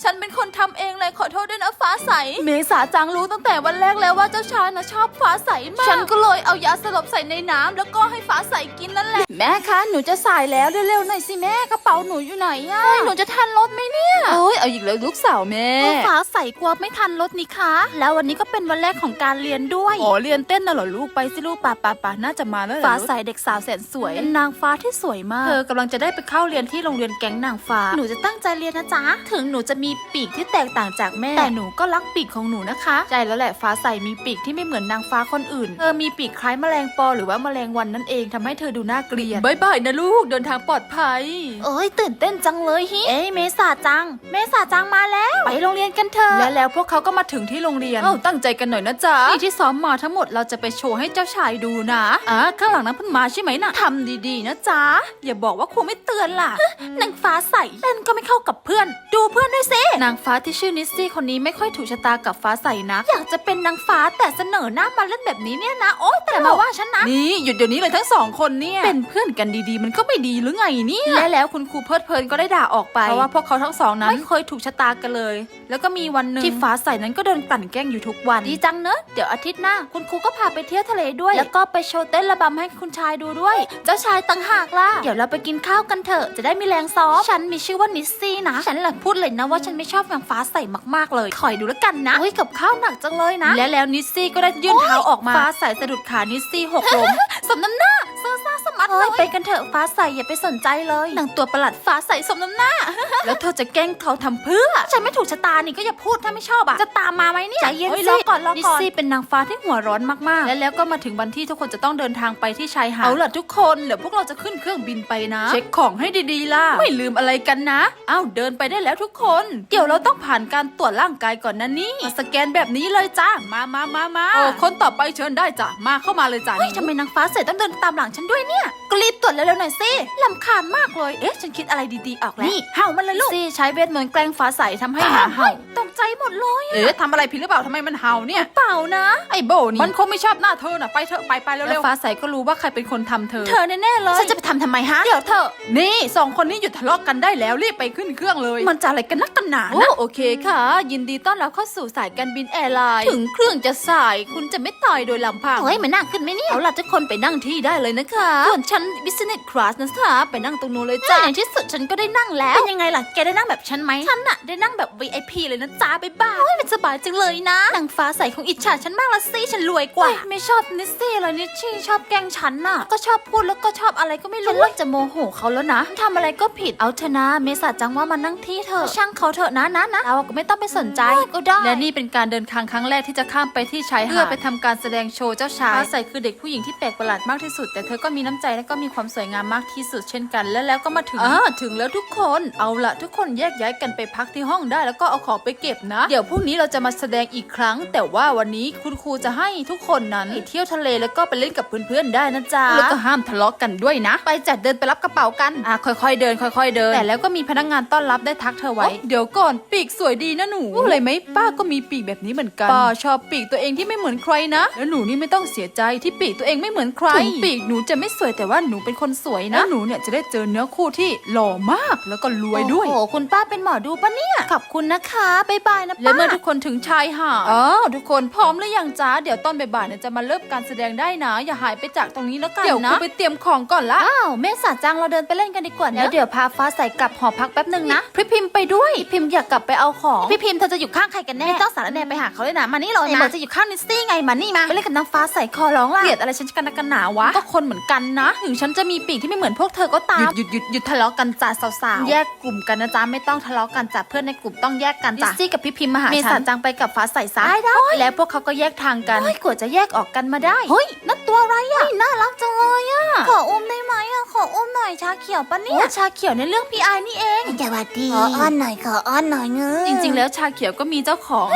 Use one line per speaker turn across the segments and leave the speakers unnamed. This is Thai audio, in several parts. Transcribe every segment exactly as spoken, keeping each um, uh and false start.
ฉันเป็นคนทำเองเลยขอโทษด้วยนะฟ้าใสเมษาจังรู้ตั้งแต่วันแรกแล้วว่าเจ้าชายนะชอบฟ้าใสมากฉันก็เลยเอายาสลบใส่ในน้ำแล้วก็ให้ฟ้าใสกินนั่นแหละแม่คะหนูจะสายแล้วเร็วๆหน่อยสิแม่กระเป๋าหนูอยู่ไหนอะหนูจะทันรถไหมเนี่ยโอ้ยเอาอีกแล้วลูกสาวแม่ฟ้าใสกลัวไม่ทันรถนี่คะแล้ววันนี้ก็เป็นวันแรกของการเรียนด้วยอ๋อเรียนเต้นน่ะเหรอลูกไปสิลูกป่าป่าป่าน่าจะมาแล้วฟ้าใสเด็กสาวแสนสวยเป็นนางฟ้าที่สวยมากเธอกำลังจะได้ไปเข้าเรียนที่โรงเรียนแก๊งนางฟ้าหนูจะตั้งใจเรียนนะจ๊ะถึงหนูจะมีปีกที่แตกต่างจากแม่แต่หนูก็รักปีกของหนูนะคะใช่แล้วแหละฟ้าใสมีปีกที่ไม่เหมือนนางฟ้าคนอื่นเธอมีปีกคล้ายแมลงปอหรือว่าแมลงวันนั่นเองทำให้เธอดูน่าเกลียดบายบายนะลูกเดินทางปลอดภัยเอ้ยตื่นเต้นจังเลยฮิเอ้ยเมษาจังเมษาจังมาแล้วไปโรงเรียนกันเถอะและแล้วพวกเขาก็มาถึงที่โรงเรียนเอ้าตั้งใจกันหน่อยนะจ๊ะนี่ที่ซ้อมมาทั้งหมดเราจะไปโชว์ให้เจ้าชายดูนะอ่ะข้างหลังนั้นเพิ่งมาใช่ไหมนะทำดีๆนะจ๊ะอย่าบอกว่าครูไม่เตือนล่ะนางฟ้าใสเต้นก็ไม่เข้ากับเพื่อนดูเพื่อนด้วยสินางฟ้าที่ชื่อนิสซี่คนนี้ไม่ค่อยถูกชะตากับฟ้าใสนะอยากจะเป็นนางฟ้าแต่เสนอหน้ามาเล่นแบบนี้เนี่ยนะโอ๊ยแต่มาว่าฉันนะนี่หยุดเดี๋ยวนี้เลยทั้งสองคนเนี่ยเป็นเพื่อนกันดีๆมันก็ไม่ดีหรือไงเนี่ยและแล้วคุณครูเพลิดเพลินก็ได้ด่าออกไปเพราะว่าพวกเขาทั้งสองนั้นไม่เคยถูกชะตากันเลยแล้วก็มีวันหนึ่งที่ฟ้าใสนั้นก็โดนกลั่นแกล้งอยู่ทุกวันดีจังเนอะเดี๋ยวอาทิตย์หน้าคุณครูก็พาไปเที่ยวทะเลด้วยแล้วก็ไปโชว์เต้นระบำให้คุณชายดูด้วยเจ้าชายต่างหากล่ะเดี๋ยวเราไปกินข้าวกันเถอะจะได้มีแรงซ้อมฉันมีชื่อว่านิสซี่นะฉันหลังพูดเลยนะว่าฉันไม่ชอบนางฟ้าใสมากๆเลยคอยดูแล้วกันนะเฮ้ยกับข้าวหนักจังเลยนะและแล้วนิสซี่ก็ได้ยื่นเท้าออกมาฟ้าใสสะดุดขานิสซี่หกล้มสมน้ำหน้าเซ่อซ่าสมัดเลยไปกันเถอะฟ้าใสอย่าไปสนใจเลยนางตัวประหลัดฟ้าใสสมน้ำหน้าแล้วเธอจะแกล้งเขาทำเพื่อฉันไม่ถูกชะตานี่ก็อย่าพูดถ้าไม่ชอบอ่ะจะตามมาไหมเนี่ยใจเย็นสิรอก่อนรอก่อนนิสซี่เป็นนางฟ้าที่หัวร้อนมากๆและแล้วก็มาถึงวันที่ทุกคนจะต้องเดินทางไปที่ชายหาดเอาล่ะทุกคนเดี๋ยวพวกเราจะขึ้นเครื่องบินไปนะเช็คของให้ดีๆล่ะไม่ลืมอะไรกันนะอ้าวเดินไปได้แล้วทุกคนเดี๋ยวเราต้องผ่านการตรวจร่างกายก่อนนะนี่มาสแกนแบบนี้เลยจ้ามามามามาโอ้คนต่อไปเชิญได้จ้ะมาเข้ามาเลยจ้ะเฮ้ยทำไมนางฟ้าใสต้องเดินตามหลังฉันด้วยเนี่ยก็รีบตรวจเร็วๆหน่อยสิลำคาญมากเลยเอ๊ะฉันคิดอะไรดีๆออกแล้วนี่เห่ามันเลยลูกซี่ใช้เวทมนต์แกล้งฟ้าใสทำให้หมาเห่าตกใจหมดเลยเอ๊ะทำอะไรผิดหรือเปล่าทำไมมันเห่าเนี่ยเปล่านะไอ้โบนี่มันคงไม่ชอบหน้าเธอน่ะไปเถอะไปไปเร็วๆฟ้าใสก็รู้ว่าใครเป็นคนทำเธอเธอแน่ๆเลยฉันจะไปทำทำไมฮะเดี๋ยวเธอนี่สองคนนี้หยุดทะเลาะกันได้แล้วรีบไปขึ้นเครื่องเลยมันจะอะไรกันนักกันหนานะโอเคค่ะยินดีต้อนรับเข้าสู่สายการบินแอร์ไลน์ถึงเครื่องจะสายคุณจะไม่ตายโดยลำพังเฮ้ยมันนั่งขึ้นไหมเนี่ยเอาล่ะทุกคนไปนั่งที่ได้เลยนะคะส่วนฉัน business class นะคะไปนั่งตรงนู้นเลยจ้าในที่สุดฉันก็ได้นั่งแล้วเป็นยังไงล่ะแกได้นั่งแบบฉันไหมฉันน่ะได้นั่งแบบ วี ไอ พี เลยนะจ้าบ๊ายบายโอ้ยมันสบายจังเลยนะนางฟ้าใสของอิจฉาฉันมากละสิฉันรวยกว่าไม่ชอบนิสซี่เลยนิชชี่ชอบแกล้งฉันน่ะก็ชอบพูดแล้วก็ชอบอะไรก็ไม่รู้ฉันเริ่มจะโมโหเขาแล้วนะทำอะไรก็ผิดเอาเถอะนะเมษาจังว่ามันนั่งที่เถอะช่างเขาเถอะนะนะนะเราก็ไม่ต้องไปสนใจก็ได้และนี่เป็นการเดินทางครั้งแรกที่จะข้ามไปที่ชายหาดเพื่อไปทำการแสดงโชว์เจ้าชายฟ้าใสคือเด็กผู้หญิงที่แปลกประหลาดมากที่สุดแต่เธอก็มีน้ำใจและก็มีความสวยงามมากที่สุดเช่นกันและแล้วก็มาถึงอ่าถึงแล้วทุกคนเอาละทุกคนแยกย้ายกันไปพักที่ห้องได้แล้วก็เอาของไปเก็บนะเดี๋ยวพรุ่งนี้เราจะมาแสดงอีกครั้งแต่ว่าวันนี้คุณครูจะให้ทุกคนนั้นเที่ยวทะเลแล้วก็ไปเล่นกับเพื่อนๆได้นะจ๊ะแล้วก็ห้ามทะเลาะกันด้วยนะไปจัดเดินไปรับกระเป๋ากันอ่ะค่อยๆเดินค่อยๆเดินแต่แล้วก็มีพนักงานต้อนรับได้ทักเธอไว้เดี๋ยวก่อนปีกสวยดีนะหนูอะไรไหมป้าก็มีปีกแบบนี้เหมือนกันป้าชอบปีกตัวเองที่ไม่เหมือนใครนะแล้วหนูนี่ไม่ต้องเสียใจที่ปีกตัวเองไม่เหมือนใครถึงปีกหนูจะไม่สวยแต่ว่าหนูเป็นคนสวยนะหนูเนี่ยจะได้เจอเนื้อคู่ที่หล่อมากแล้วก็รวยด้วยโอ้คุณป้าเป็นหมอดูปะเนี่ยขอบคุณนะคะบ๊ายบายนะป้าและเมื่อทุกคนถึงชายหาดอ๋อทุกคนพร้อมหรือยังจ้าเดี๋ยวตอนบ่ายๆเนี่ยจะมาเริ่มการแสดงได้นะอย่าหายไปจากตรงนี้แล้วกันนะเดี๋ยวไปเตรียมของก่อนละอ้าวเมษาจังเราเดินไปเล่นกันดีกว่านะแล้วเดี๋ยวพาฟ้าใสกลับหอพักแป๊บนึงนะพี่พิมพ์ไปด้วยพี่พิมพ์อยากกลับไปเอาของพี่พิมพ์เธอจะอยู่ข้างใครกันแน่ไม่ต้องสารแน่ไปหาเขาเลยนะมานี่เลยนะบอกจะอยู่ข้างนิสซี่ไงมานี่มาไปเล่นกับนางฟ้าใสคอร้องล่ะเกลียดอะไรฉันกันนักกันหนาวะก็คนเหมือนกันนะถึงฉันจะมีปีกที่ไม่เหมือนพวกเธอก็ตามหยุดหยุดหยุดทะเลาะกันจ้าสาวๆแยกกลุ่มกันนะจ๊ะไม่ต้องทะเลาะกันจ้ะเพื่อนในกลุ่มต้องแยกกันจ้ะนิสซี่กับพี่พิมพ์มาหาฉันเมษาจังไปกับฟ้าใสซะได้แล้วพวกเขาก็แยกทางกันกว่าจะแยกออกกันมาได้เฮ้ยนั่นตัวอะไรอ่ะน่ารักจังเลยอ่ะขออุ้มได้ไหมอ่ะขออุ้มหน่อยชาเขียวปะเนี่ยชาเขียวในเรื่องพี่ไอนี่เอง
สวัสดีขออ้อนหน่อยขออ้อนหน่อยเงื้อ
จริงๆแล้วชาเขียวก็มีเจ้าของ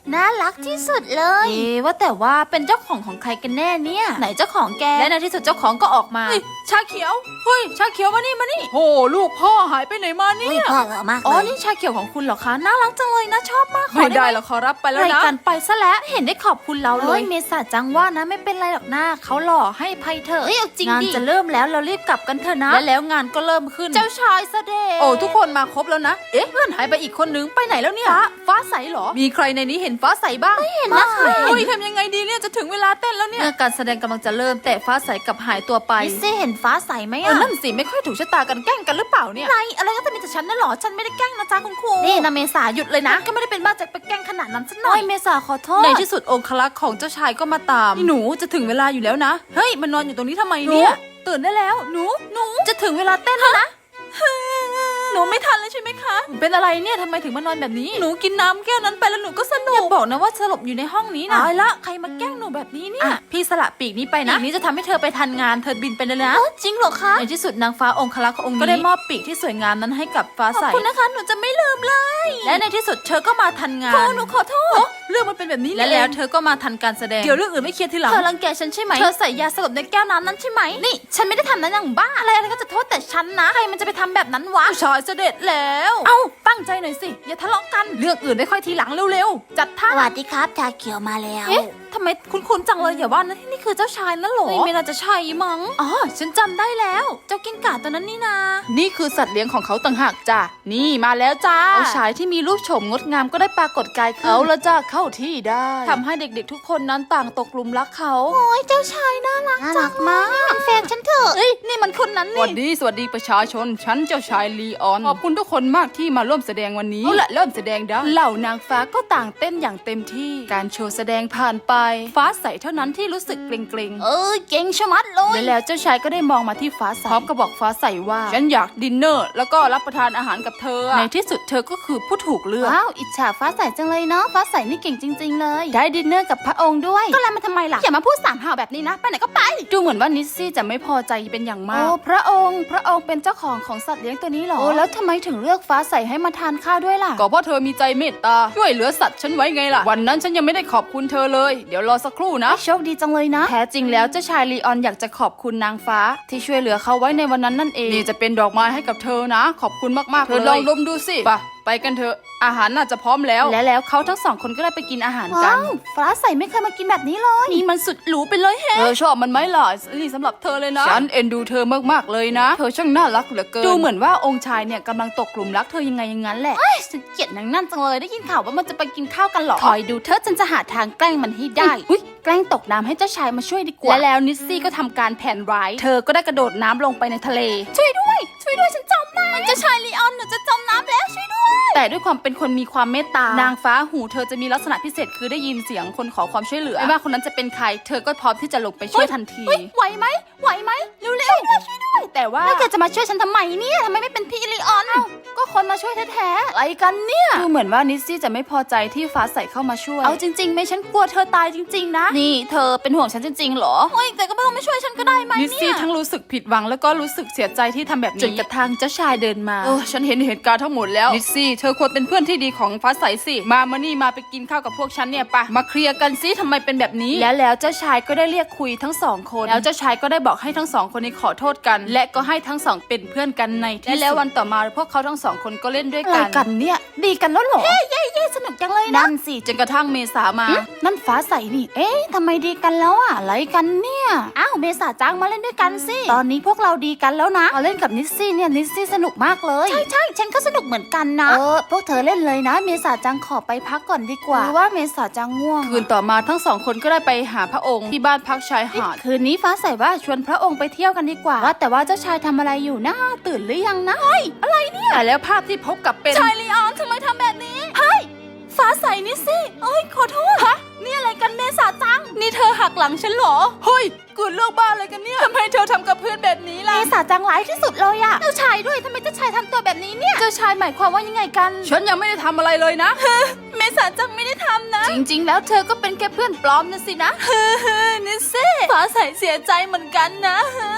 น่ารักที่สุดเลยเอ๊ะว่าแต่ว่าเป็นเจ้าของของใครกันแน่เนี่ยไหนเจ้าของแกและในที่สุดเจ้าของก็ออกมาชาเขียวเฮ้ยชาเขียวมานี่มานี่โหลูกพ่อหายไปไหนมาเนี่ย
พ่อเหรอมากเลย
อ๋อนี่ชาเขียวของคุณเหรอคะน่ารักจังเลยนะชอบมาก
ไม่ได้หรอกขอรับไปแล้วนะ
รายการไปซะแล้วเห็นได้ขอบคุณเราเลยเมษาจังว่านะไม่เป็นไรหรอกนะเขาหล่อให้ภัยเถอะงานจะเริ่มแล้วเรารีบกลับกันเถอะนะและแล้วงานก็เริ่มขึ้นเจ้าชายเสด็จ
โอ้ทุกคนมาครบแล้วนะเอ๊ะเพื่อนหายไปอีกคนนึงไปไหนแล้วเนี่ย
ฟ้าฟ้าใสเหรอ
มีใครในนี้เห็นฟ้าใสบ้าง
ไม่เห็นนะคะ
เฮ้ยทำยังไงดีเนี่ยจะถึงเวลาเต้นแล้วเนี่ย
เมื่อการแสดงกำลังจะเริ่มแต่ฟ้าใสกับหายตัวไปนิซี่เห็นฟ้าใสไหมอ่ะ
นั่นสิไม่ค่อยถูกชะตากันแกล้งกันหรือเปล่าเนี่ย
อะไรอะไรก็จะมีแต่ฉันนั่นหรอฉันไม่ได้แกล้งนะจ๊ะคุณครูนี่นะเมษาหยุดเลยนะก็ไม่ได้เป็นบ้าจะไปแกล้งขนาดนั้นซะหน่อยเมษาขอโทษ
ในที่สุดองครักษ์ของเจ้าชายก็มาตามหนูจะถึงเวลาอยู่แล้วนะเฮ้ยมันนอนอยู่ตรงนี้ทำไมเนี่ย
ตื่นได้แล้วหนูหนูจะถึงเวลาเต้นแล้วนะ
หนูไม่ทันเลยใช่ไหมคะเป็นอะไรเนี่ยทำไมถึงมานอนแบบนี้หนูกินน้ำแก้วนั้นไปแล้วหนูก็สนุก
อย่าบอกนะว่าสลบอยู่ในห้องนี้นะ
ตายละใครมาแกล้งหนูแบบนี้เนี่ย
พี่สละปีกนี้ไปนะปีกนี้จะทำให้เธอไปทันงานเธอบินไปเลยนะจริงเหรอคะในที่สุดนางฟ้าองครักษ์องค์นี้ก็ได้มอบปีกที่สวยงามนั้นให้กับฟ้าใสขอบคุณนะคะหนูจะไม่ลืมเลยและในที่สุดเธอก็มาทันงาน
หนูขอโทษเรื่องมันเป็นแบบนี้
และแล้วเธอก็มาทันการแสดง
เดี๋ยวเรื่องอื่นไม่เคลียร์ทีหลัง
เธอรังแกฉันใช่ไหมเธอใส่ยาสลบในแก้วน้ำนั้นใช่ไหมนี่ฉันไม่ได้ทำนั้นอย่างบ้าอะไรอะไรก็จะโทษแต่ฉันนะใครมันจะไปทำแบบนั้นวะ
ชายเสด็จแล้ว
เอ้าตั้งใจหน่อยสิอย่าทะเลาะกัน
เรื่องอื่นได้ค่อยทีหลังเร็วๆจัดท่า
สวัสดีครับชาเขียวมาแล้ว
เอ๊ะทำไมคุ้นๆจังเลยอย่าว่านะที่นี่คือเจ้าชายนั่นหรอไม่น่าจะใช่มั้งอ๋อฉันจำได้แล้วเจ้ากิ้งก่าตัวนั้นนี่นา
นี่คือสัตว์เลี้ยงของเขาต่างหากจ้ะนี่มาแล้วจ้าเจ้าชายที่มีรูปโฉมงดงามก็ได้ปรากฏกายขึ้นเอาละจ้าเข้าที่ได้ทำให้เด็กๆทุกคนนั้นต่างตกหลุมรักเขา
โอ้ยเจ้าชายน่ารักจังมากเป็นแฟนฉันเถอะเอ้ยนี่มันคนนั้นนี่
สวัสดีสวัสดีประชาชนฉันเจ้าชายลีออนขอบคุณทุกคนมากที่มาร่วมแสดงวันนี้เอาละเริ่มแสดงได้เหล่านางฟ้าก็ต่างเต้นอย่างเต็มที่การโชว์แสดงผ่านไปฟ้าใสเท่านั้นที่รู้สึกเกรงๆ
เออเก่งชะมัดเลย
และแล้วเจ้าชายก็ได้มองมาที่ฟ้าใสพร้อมกับบอกฟ้าใสว่าฉันอยากดินเนอร์แล้วก็รับประทานอาหารกับเธอในที่สุดเธอก็คือผู้ถูกเลือก
ว้าวอิจฉาฟ้าใสจังเลยเนาะฟ้าใสนี่เก่งจริงๆเลยได้ดินเนอร์กับพระองค์ด้วยก็แล้วมาทำไมล่ะอย่ามาพูดสามห่าวแบบนี้นะไปไหนก็ไป
ดูเหมือนว่านิสซี่จะไม่พอใจเป็นอย่างมาก
โอ้พระองค์พระองค์เป็นเจ้าของของสัตว์เลี้ยงตัวนี้หรอโอ้แล้วทำไมถึงเลือกฟ้าใสให้มาทานข้าวด้วยล่ะ
ก็เพราะเธอมีใจเมตตาช่วยเหลือสัตว์ฉันไว้ไงล่ะวันนั้นฉันยังไม่ได้ขอบคุณเธอเลยเดี๋ยวรอสักครู่นะ
โชคดีจังเลยนะ
แท้จริงแล้วเจ้าชายลีออนอยากจะขอบคุณนางฟ้าที่ช่วยเหลือเขาไว้ในวันนั้นนั่นเองนี่จะเป็นดอกไม้ให้กับเธอนะขอบคุณมากๆเลยเธอลองดมดูสิไปไปกันเถอะอาหารน่าจะพร้อมแล้ว
และแล้วเขาทั้งสองคนก็ได้ไปกินอาหารกันฟ้าใสไม่เคยมากินแบบนี้เลยนี่มันสุดหรูไปเลยแฮะ
เธอชอบมันไหมล่ะนี่สำหรับเธอเลยนะฉันเอ็นดูเธอมากๆเลยนะเธอช่างน่ารักเหลือเกินดูเหมือนว่าองค์ชายเนี่ยกำลังตกกลุ่มรักเธอยังไงอย่างนั้นแหละ
เอ้ยฉันเกลียดนางนั่นจังเลยได้ยินข่าวว่ามันจะไปกินข้าวกันหรอคอยดูเธอฉันจะหาทางแกล้งมันให้ได้อุ้ยแกล้งตกน้ำให้เจ้าชายมาช่วยดีกว่า
และแล้วนิสซี่ก็ทำการแผนร้ายเธอก็ได้กระโดดน้ำลงไปในทะเล
ช่วยด้วยช่วยด้วยฉันจมน้ำเจ้าชายลีออนหนูจะจมน้ำแล้วช่วยด้วย
แต่ด้วยความเป็นคนมีความเมตตานางฟ้าหูเธอจะมีลักษณะพิเศษคือได้ยินเสียงคนขอความช่วยเหลือไม่ว่าคนนั้นจะเป็นใครเธอก็พร้อมที่จะลงไปช่วยทันที
ไหวไหมไหวไหมเร็วๆช่วยด้วยช่วยด้วยแต่ว่าแล้วแกจะมาช่วยฉันทำไมเนี่ยทำไมไม่เป็นพี่ลีออนก็คนมาช่วยแท้ๆ
อะไรกันเนี่ยดูเหมือนว่านิสซี่จะไม่พอใจที่ฟ้าใสเข้ามาช่วย
เอาจริงๆไม่ฉันกลัวเธอตายจริงๆนะ
นี่เธอเป็นห่วงฉันจริงๆหรอ
โอ้ยแต่ก็ไม่ต้องไม่ช่วยฉันก็ได้ไหมเนี่ย
นิสซี่ทั้งรู้สึกผิดหวังแล้วก็รู้สึกเสียใจที่ทำแบบนี้จนกระทั่งเจ้าชายเดินมาเออฉันเห็นเหตุการณ์ทั้งหมดแล้วนิสซี่เธอควรเป็นเพื่อนที่ดีของฟ้าใสสิมามานี่มาไปกินข้าวกับพวกฉันเนี่ยปะมาเคลียร์กันซิทำไมเป็นแบบนี้แล้วแล้วเจ้าชายก็ได้เรียกคุยทั้งสองคนแล้วเจ้าชายก็ได้บอกให้ทั้งสองคนนี้ขอโทษกันและก็ให้ทั้งสองเป็นเพื่อนกันในที่และแล้ววันต่อมาพวกเขาทั้งสองคนก็เล่นด้วยกัน
กันเนี่ยดีกันแล้วหรอเย้เย้เย้สนุกจังเลยนะ
นั่นสิจนกระทั่งเมษามา
นั่นฟ้าใสนี่เอ๊ะทำไมดีกันแล้วอะอะไรกันเนี่ยอ้าวเมษาจ้างมาเล่นด้วยกันสิตอนนี้พวกเราดีกันแล้วนะมาเล่นกับนิสซี่เนี่ยนิสซี่สนุกมากเลยใช่ใช่ฉันก็สนุกเหมือนกันนะเออพวกเธอเล่นเลยนะเมษาจังขอไปพักก่อนดีกว่าหรือว่าเมษาจังง่วง
คืนต่อมาทั้งสองคนก็ได้ไปหาพระองค์ที่บ้านพักชายหาด
คืนนี้ฟ้าใสว่าชวนพระองค์ไปเที่ยวกันดีกว่าว่าแต่ว่าเจ้าชายทำอะไรอยู่นะตื่นหรือยังนะเฮ้ยอะไรเนี่ย
แต่แล้วภาพที่พบกับเป็น
ชายลีออนทำไมทำแบบนี้เฮ้ยฟ้าใสนิสซี่เอ้ยขอโทษฮะนี่อะไรกันเมษาจังนี่เธอหักหลังฉันเหรอ
เฮ้ยเกิดเรื่องบ้าอะไรกันเนี่ยทำไมเธอทำกับเพื่อนแบบนี้ล่ะ
เมษาจังร้ายที่สุดเลยอะเจ้าชายด้วยทำไมเจ้าชายทำตัวแบบนี้เนี่ยเจ้าชายหมายความว่ายังไงกัน
ฉันยังไม่ได้ทำอะไรเลยนะ
เมษาจังไม่ได้ทำนะ
จริงๆแล้วเธอก็เป็นแค่เพื่อนปลอมนะสินะ
นิสซี่ฟ้าใสเสียใจเหมือนกันนะ
ฟ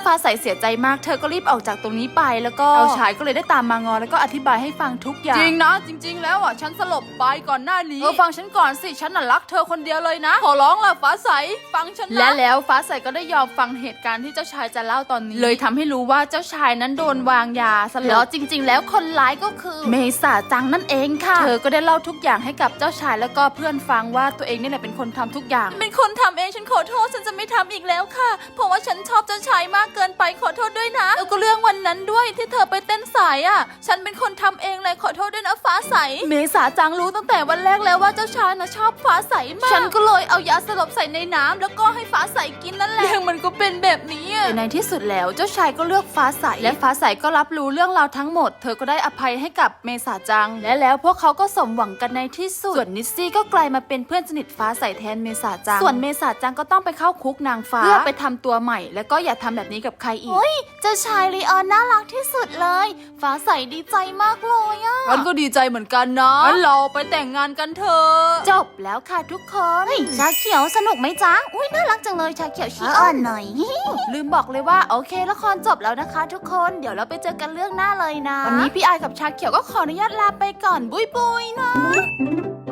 ฟ้าใสเสียใจมากเธอก็รีบออกจากตรงนี้ไปแล้วก็เจ้าชายก็เลยได้ตามมางอแล้วก็อธิบายให้ฟังทุกอย่าง
จริงนะจริง ๆ แล้วอ่ะฉันสลบไปก่อนหน้านี้เออฟังฉันก่อนสิฉันน่ะรักเธอคนเดียวเลยนะขอร้องล่ะฟ้าใสฟังฉันนะ
และแล้วฟ้าใสก็ได้ยอมฟังเหตุการณ์ที่เจ้าชายจะเล่าตอนนี้เลยทำให้รู้ว่าเจ้าชายนั้นโดนวางยาสลบแล้วจริง ๆ แล้วคนร้ายก็คือเมษาจังนั่นเองค่ะเธอก็ได้เล่าทุกอย่างให้กับเจ้าชายแล้วก็เพื่อนฟังว่าตัวเองนี่แหละเป็นคนทำทุกอย่างเป็นคนทำเองฉันขอโทษฉันจะไม่ทำอีกแล้วค่ะเพราะว่าฉันชอบเจ้าชายมากเกินไปขอโทษด้วยนะแล้วก็เรื่องวันนั้นด้วยที่เธอไปเต้นสายอ่ะฉันเป็นคนทำเองเลยขอโทษด้วยนะฟ้าใสเมษาจังรู้ตั้งแต่วันแรกแล้วว่าเจ้าชายน่ะชอบฟ้าใสมากฉันก็เลยเอายาสลบใส่ในน้ำแล้วก็ให้ฟ้าใสกินนั่นแหละเรื่องมันก็เป็นแบบนี้แต่ในที่สุดแล้วเจ้าชายก็เลือกฟ้าใสและฟ้าใสก็รับรู้เรื่องราวทั้งหมดเธอก็ได้อภัยให้กับเมษาจังและแล้วพวกเขาก็สมหวังกันในที่สุดส่วนนิสซี่ก็กลายมาเป็นเพื่อนสนิทฟ้าใสแทนเมษาจังส่วนเมษาจังก็ต้องไปเข้าคุกนางฟ้าเพื่อไปทำตัวใหม่แล้วก็อย่าทำแบบนี้กับใครอีกเจ้าชายลีออนน่ารักที่สุดเลยฟ้าใสดีใจมากเลยอ่ะ
ฉันก็ดีใจเหมือนกันนะงั้นเราไปแต่งงานกันเถอะ
จบแล้วค่ะทุกคน
เฮ้ยชาเขียวสนุกไหมจ๊ะอุ้ยน่ารักจังเลยชาเขียวชี้อ่อนหน่อย
ลืมบอกเลยว่าโอเคละครจบแล้วนะคะทุกคนเดี๋ยวเราไปเจอกันเรื่องหน้าเลยนะวันนี้พี่ไอายกับชาเขียวก็ขออนุญาตลาไปก่อนบุยบุยนะ